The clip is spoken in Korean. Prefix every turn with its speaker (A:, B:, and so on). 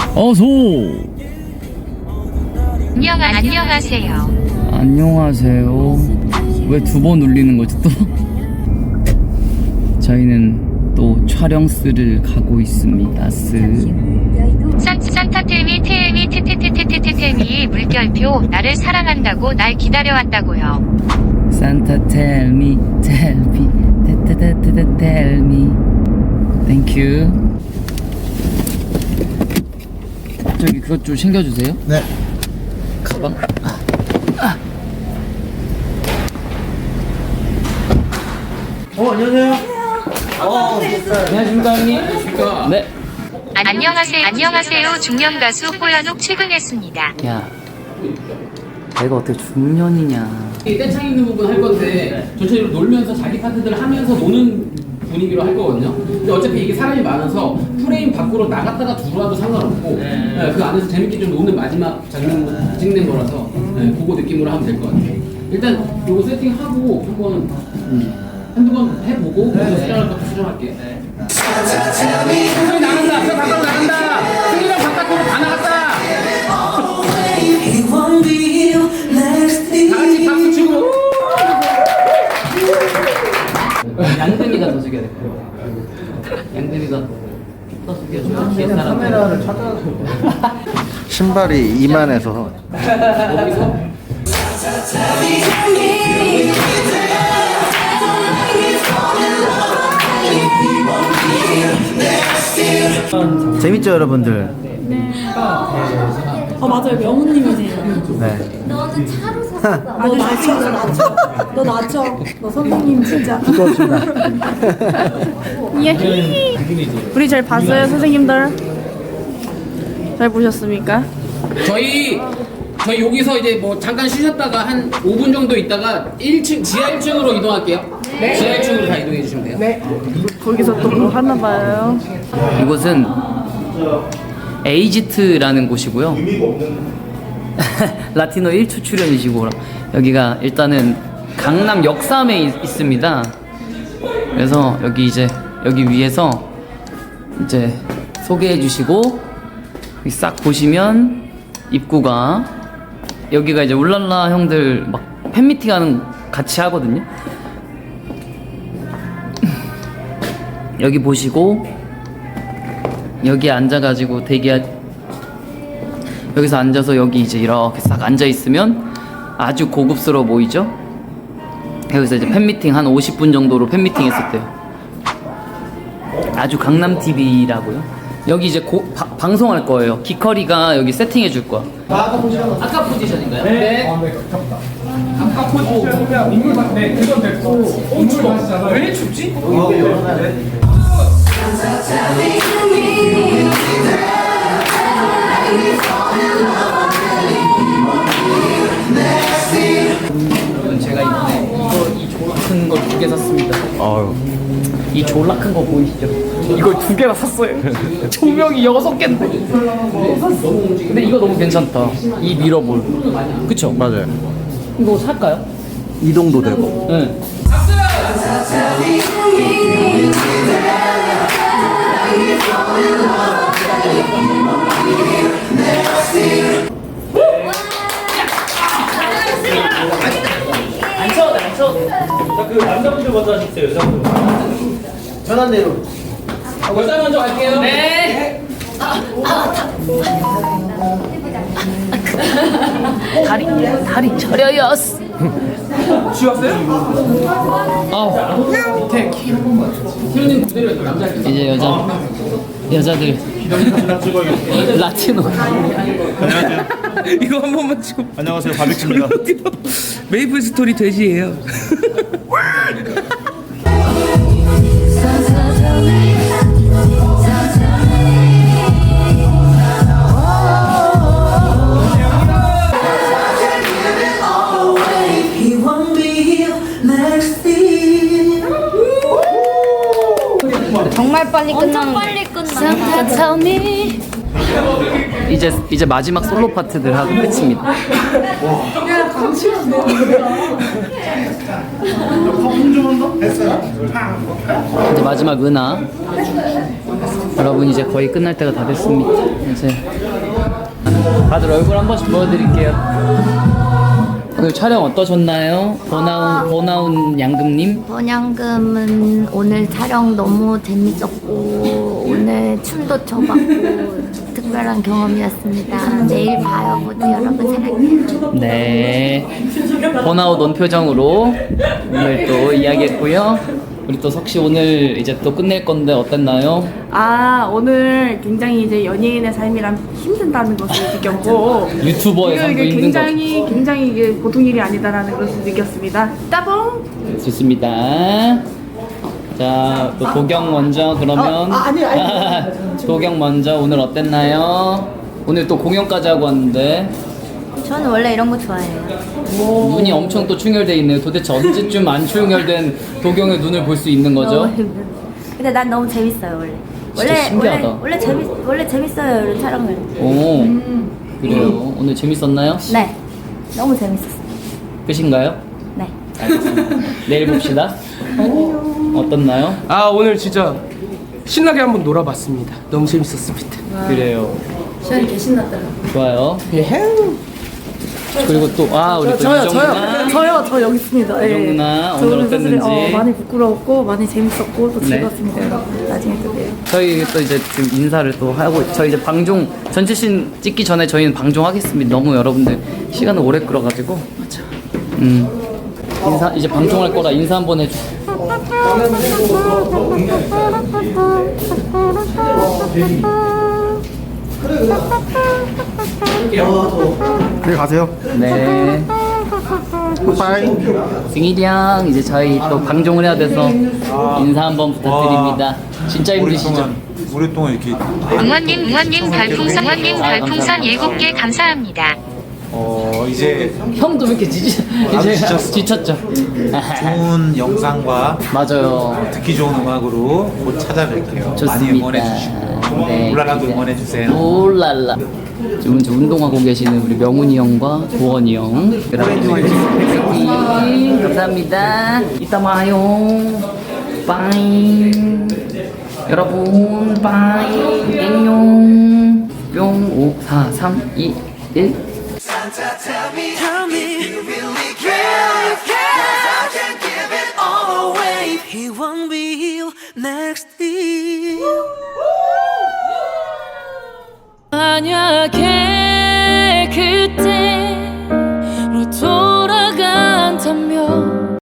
A: 어서.
B: 안녕하세요.
A: 안녕하세요. 왜 두 번 울리는 거지 또? 저희는 또 촬영스를 가고 있습니다.
B: 산타텔미 테미 테테테테테테미 물결표 나를 사랑한다고 날 기다려왔다고요.
A: 산타 tell me 테테테테테 tell me. Thank you. 저기 그것 좀 챙겨주세요.
C: 네.
A: 가방.
C: 안녕하세요.
A: 안녕하십니까 형님. 안녕하십니까. 네.
B: 안녕하세요. 중년 가수 호연욱 출근했습니다.
A: 야, 내가 어떻게 중년이냐.
D: 떼창 있는 부분 할 건데 전체적으로 놀면서 자기 파트들 하면서 노는 분위기로 할 거거든요. 근데 어차피 이게 사람이 많아서 프레임 밖으로 나갔다가 들어와도 상관없고 그 안에서 재밌게 좀 노는 마지막 장면 찍는 거라서 그거 느낌으로 하면 될 것 같아요. 일단 요거 세팅하고 한번 한두 번 해보고 수정할 것도 수정할게요. 승리 나간다! 저 바깥으로 나간다! 승리랑 바깥으로 다 나갔다! 다같이 박수 치고!
A: 양대미가 더 숙여야 될 거예요. 양대미가 더 숙여주면 뒤에 사람
C: 카메라를 찾아. 신발이 이만해서.
D: 여기서
C: 재밌죠, 여러분들?
E: 맞아요. 명우님이세요.
C: 네.
F: 너는 차로 샀어.
E: 너 낮춰. 너 낮춰. 너 선생님 진짜.
C: 부끄럽습니다.
E: 예히. 우리 잘 봤어요, 선생님들? 잘 보셨습니까?
D: 저희 여기서 이제 뭐 잠깐 쉬셨다가 한 5분 정도 있다가 1층 지하 1층으로 이동할게요. 지하 1층으로 다 이동해 주시면 돼요. 네.
E: 거기서 또 뭐 하나 봐요.
A: 이곳은 에이지트라는 곳이고요. 라티노 1초 출연이시고 여기가 일단은 강남 역삼에 있습니다. 그래서 여기 이제 여기 위에서 이제 소개해 주시고 여기 싹 보시면 입구가 여기가 이제 울랄라 형들 막 팬미팅 하는 같이 하거든요. 여기 보시고 여기 앉아가지고 여기서 앉아서 여기 이제 이렇게 싹 앉아 있으면 아주 고급스러워 보이죠? 여기서 이제 팬미팅 한 50분 정도로 팬미팅 했었대요. 아주 강남TV라고요. 여기 이제 방송할 거예요. 기커리가 여기 세팅해 줄 거야. 아까 포지션인가요? 네.
G: 아까 포지션이면 인물 네, 그건 됐고 추워. 왜 춥지?
A: 제가 이번에 이 졸라 큰 거 2개 샀습니다.
C: 아유.
A: 이 졸라 큰 거 보이시죠? 이걸 2개나 샀어요. 조명이 6개인데. 근데 이거 너무 괜찮다. 이 미러볼. 그쵸?
C: 맞아요.
A: 이거 살까요?
C: 이동도 되고.
A: 네. 안 쳐도 돼, 안 쳐도 돼.
G: 그 남자분들 먼저 하시겠어요, 여자분들.
C: 편한 대로.
D: 여자 먼저 갈게요.
A: 네. 다리 저려요.
D: 쉬었어요?
A: 밑에
D: 키 한 번만. 태훈님 그대로 남자 할게요.
A: 이제 여자들 라티노.
H: 이거 한 번만 찍어.
G: 안녕하세요, 바비큐입니다.
H: 메이플 스토리 돼지예요.
F: 정말 빨리 끝나는. 빨리 끝나.
A: 이제 마지막 솔로 파트들 하고 끝입니다. 이제 마지막 은하. 여러분 이제 거의 끝날 때가 다 됐습니다. 이제 다들 얼굴 한 번씩 보여드릴게요. 오늘 촬영 어떠셨나요? 번아운 양금님?
F: 번양금은 오늘 촬영 너무 재밌었고 오늘 춤도 춰봤고 특별한 경험이었습니다. 내일 봐요 모두 여러분 사랑해요.
A: 네. 번아웃 온 표정으로 오늘 또 이야기했고요. 우리 또 석씨 오늘 이제 또 끝낼 건데 어땠나요?
I: 오늘 굉장히 이제 연예인의 삶이란 힘든다는 것을 느꼈고
A: 유튜버의 삶도
I: 이게
A: 힘든 거죠.
I: 굉장히 이게 보통 일이 아니다라는 것을 느꼈습니다. 따봉!
A: 좋습니다. 자, 또 도경 먼저 그러면.
I: 아니.
A: 도경 먼저 오늘 어땠나요? 오늘 또 공연까지 하고 왔는데
F: 저는 원래 이런 거 좋아해요.
A: 눈이 엄청 또 충혈돼 있네요. 도대체 언제쯤 안 충혈된 도경의 눈을 볼 수 있는 거죠?
F: 근데 난 너무 재밌어요 원래.
A: 진짜 신기하다.
F: 원래 재밌어요 이런 촬영을.
A: 오, 그래요. 오늘 재밌었나요?
F: 네, 너무 재밌었어요.
A: 끝인가요?
F: 네.
A: 알겠습니다. 내일 봅시다. 어떻나요?
H: 아 오늘 진짜 신나게 한번 놀아봤습니다. 너무 재밌었습니다.
A: 그래요.
E: 시원이 개 신났더라.
A: 좋아요. 그리고 또 우리 또
I: 저요.
A: 이정
I: 저 여기 있습니다.
A: 이정 누나
I: 저
A: 오늘
I: 오늘 사실,
A: 어땠는지.
I: 많이 부끄러웠고 많이 재밌었고 또
A: 네.
I: 즐거웠습니다. 여러분 나중에 또 봬요.
A: 저희 또 이제 지금 인사를 또 하고 저희 이제 방송 전체 씬 찍기 전에 저희는 방송하겠습니다. 너무 여러분들 시간을 오래 끌어가지고 인사 이제 방송할 거라 인사 한번 해주.
C: 그래 가세요.
A: 네.
C: 빠이.
A: 승일이 형 이제 저희 또 방송을 해야 돼서 인사 한번 부탁드립니다. 진짜 힘드시죠?
J: 오랫동안 이렇게
B: 응원님 별풍선 7개 감사합니다.
J: 이제
A: 형도 왜 이렇게 이제 지쳤죠?
J: 좋은 영상과
A: 맞아요.
J: 듣기 좋은 음악으로 곧 찾아뵐게요.
A: 좋습니다.
J: 많이 응원해 주시고
A: 네,
J: 울랄라도
A: 기대.
J: 응원해 주세요.
A: 울랄라. 지금 이제 운동하고 계시는 우리 명훈이 형과 도원이 형. 화이팅! 감사합니다. 이따 봐요. 빠이. 여러분, 빠이. 땡용. 뿅. 5, 4, 3, 2, 1.
K: Tell me, you really care, I can give it all away. He won't be here next year.
F: 만약에 그때